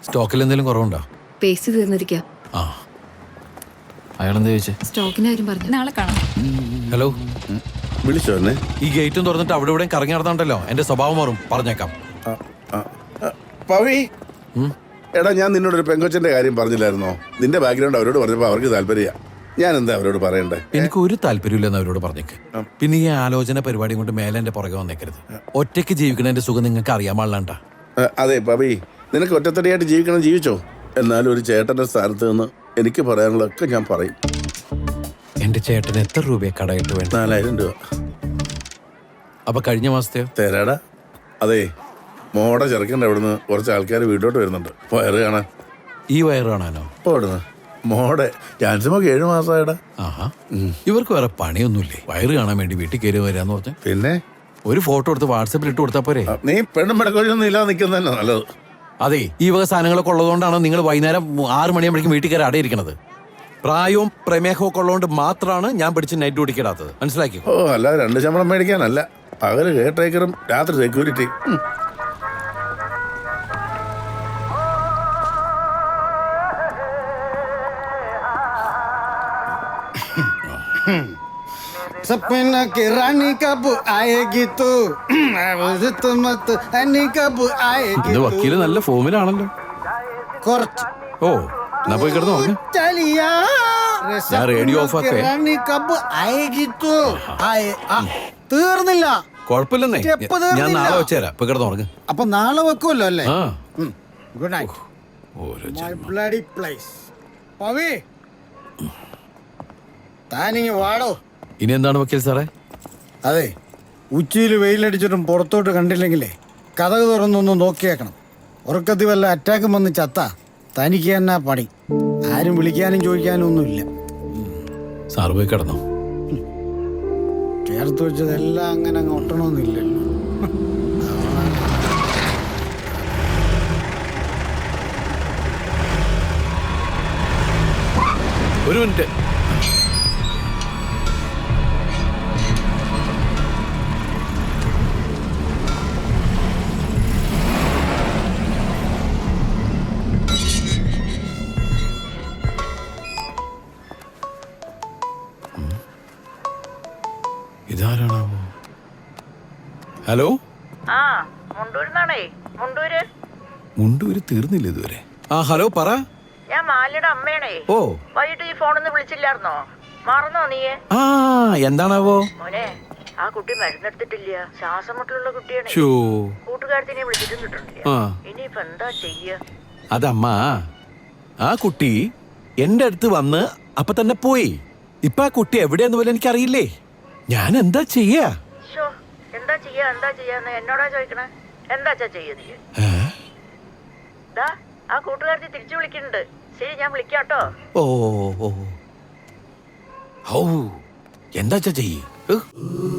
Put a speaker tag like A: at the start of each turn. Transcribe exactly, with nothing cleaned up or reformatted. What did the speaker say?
A: സ്റ്റോക്കിൽ എന്തെങ്കിലും കുറവുണ്ടോ?
B: പേസ്റ്റ് തീർന്നിരിക്കുക.
A: ആ, അയാളെന്താ ചോദിച്ചേ?
B: സ്റ്റോക്കിന്റെ കാര്യം പറഞ്ഞു.
C: നാളെ കാണാം.
A: ഹലോ,
D: വിളിച്ചോ എന്നെ?
A: ഈ ഗേറ്റും തുറന്നിട്ട് അവിടെ ഇവിടെ കറങ്ങി നടന്നുണ്ടല്ലോ, എന്റെ സ്വഭാവം മാറും, പറഞ്ഞേക്കാം.
D: പവി, എടാ ഞാൻ നിന്നോടൊരു പെങ്കൊച്ചന്റെ കാര്യം പറഞ്ഞില്ലായിരുന്നോ? നിന്റെ ബാക്ക്ഗ്രൗണ്ട് അവരോട് പറഞ്ഞപ്പോ അവർക്ക് താല്പര്യ. ഞാൻ എന്താ അവരോട് പറയണ്ടേ?
A: എനിക്ക് ഒരു താല്പര്യമില്ലെന്ന് അവരോട് പറഞ്ഞേക്ക്. പിന്നെ ഈ ആലോചന പരിപാടി കൊണ്ട് മേലെ എന്റെ പുറകെ വന്നേക്കരുത്. ഒറ്റയ്ക്ക് ജീവിക്കണതിന്റെ സുഖം നിങ്ങൾക്ക് അറിയാൻ പാടില്ലാണ്ട.
D: അതെ പവി, നിനക്ക് ഒറ്റത്തടിയായിട്ട് ജീവിക്കണം, ജീവിച്ചോ. എന്നാലും ഒരു ചേട്ടന്റെ സ്ഥാനത്ത് നിന്ന് എനിക്ക് പറയാനുള്ളതൊക്കെ ഞാൻ പറയും.
A: എന്റെ ചേട്ടന് എത്ര രൂപയെ കടയിട്ട് വേണ്ട?
D: നാലായിരം രൂപ.
A: അപ്പൊ കഴിഞ്ഞ മാസത്തെയോ?
D: തരാടാ. അതെ, മോടെ ചെറുക്കൻ്റെ അവിടുന്ന് കുറച്ച് ആൾക്കാർ വീട്ടോട്ട് വരുന്നുണ്ട് വയറ് കാണാൻ.
A: ഈ വയറ് കാണാനോ?
D: ഇപ്പൊ അവിടുന്ന് മോടെ ജാൻസിമൊക്കെ ഏഴു മാസമായിടാ.
A: ആഹാ, ഇവർക്ക് വേറെ പണിയൊന്നുമില്ലേ? വയറ് കാണാൻ വേണ്ടി വീട്ടിൽ കയറി വരാന്ന് പറഞ്ഞ
D: പിന്നെ
A: ഒരു ഫോട്ടോ എടുത്ത് വാട്സപ്പിൽ ഇട്ട് കൊടുത്താ പോരെ?
D: നീ പെണ്ണും പെടക്കൊഴിയൊന്നും ഇല്ലാതെ നിൽക്കുന്നതന്നെ നല്ലത്.
A: അതെ, ഈ വക സാധനങ്ങളൊക്കെ ഉള്ളതുകൊണ്ടാണ് നിങ്ങൾ വൈകുന്നേരം ആറ് മണിയാകുമ്പോഴേക്കും വീട്ടിൽ കയറി അടയിരിക്കണത്. പ്രായവും പ്രമേഹവും ഒക്കെ ഉള്ളതുകൊണ്ട് മാത്രമാണ് ഞാൻ പിടിച്ച് നൈറ്റ് ഓടിക്കിടാത്തത്, മനസ്സിലാക്കി?
D: ഓ, അല്ല രണ്ട് ശമ്പളം മേടിക്കാനല്ല. പകല് കേട്ടേക്കറും രാത്രി സെക്യൂരിറ്റി.
E: सपना की रानी कब आएगी तू मत रानी कब आएगी
A: ഇത് വക്കീല് നല്ല ഫോമിലാണല്ലോ.
E: കുറച്ച്
A: ഓ, എന്നാ പോയി കിടന്നു നോക്ക്.
E: चलिया
A: ഞാൻ റേഡിയോ ഓഫ് ആക്കേ.
E: रानी कब आएगी तू ആയേ ആ, തീർന്നില്ല.
A: കുഴപ്പമില്ലെന്നേ,
E: സ്റ്റെപ്പ്
A: ഞാൻ
E: തീർന്നില്ല.
A: നാളെ വെച്ചുതരാം. ഇപ്പൊ കിടന്നു ഉറങ്ങ്.
E: അപ്പൊ നാളെ വെക്കുമല്ലോ അല്ലേ?
A: ആ,
E: ഗുഡ് നൈറ്റ്.
A: ഓരോ
E: മൈ
A: ജന്മം.
E: Bloody place. പവി, താനിങ്ങ് വാടോ.
A: ഇനി എന്താണ് വക്കീൽ സാറേ?
E: അതെ, ഉച്ചയിൽ വെയിലടിച്ചിട്ടും പുറത്തോട്ട് കണ്ടില്ലെങ്കിലേ കഥക് തുറന്നൊന്ന് നോക്കിയേക്കണം. ഉറക്കത്തിൽ വല്ല അറ്റാക്കും വന്ന് ചത്ത തനിക്ക് തന്നെ പണി. ആരും വിളിക്കാനും ചോദിക്കാനും ഒന്നുമില്ല.
A: സാറ് പോയി കിടന്നോ.
E: ചേർത്ത് വെച്ചതെല്ലാം അങ്ങനെ അങ്ങ് ഒട്ടണമെന്നില്ലല്ലോ.
A: ഒരു മിനിറ്റ്. ഇതാരാണാവോ? ഹലോ,
F: ആ മുണ്ടൂരിന്നാണേ. മുണ്ടൂര്
A: മുണ്ടൂര് തീർന്നില്ല ഇതുവരെ. ആ ഹലോ, പറ.
F: ഞാൻ മാലിയുടെ അമ്മയാണേ.
A: ഓ,
F: വൈകിട്ട് ഈ ഫോണിന്ന് വിളിച്ചില്ലായിരുന്നോ? മറന്നോ നീയെ?
A: ആ എന്താണാവോ?
F: മോനെ, ആ കുട്ടി മരുന്നെടുത്തിട്ടില്ല. ശ്വാസം മുട്ടലുള്ള കുട്ടിയാണ്.
A: ഷോ,
F: കൂട്ടുകാരത്തിനെ വിളിച്ചിട്ടും കിട്ടണില്ല.
A: ആ
F: ഇനിയിപ്പൊ എന്താ ചെയ്യ?
A: അതമ്മ, ആ കുട്ടി എന്റെ അടുത്ത് വന്ന് അപ്പൊ തന്നെ പോയി. ഇപ്പൊ ആ കുട്ടി എവിടെയെന്ന് പോലും എനിക്കറിയില്ലേ. ഞാൻ എന്താ ചെയ്യാ?
F: ഷോ, എന്താ ചെയ്യാ എന്താ ചെയ്യാന്ന് എന്നോടാ ചോദിക്കണേ? എന്താച്ചാ ചെയ്യ നീ?
A: ഏ?
F: ദാ ആ കൂട്ടുകാരത്തി തിരിച്ചു വിളിക്കുന്നുണ്ട്. ശരി, ഞാൻ വിളിക്കാട്ടോ.
A: ഓ ഓ ഓ. ഔ, എന്താച്ചാ ചെയ്യ്?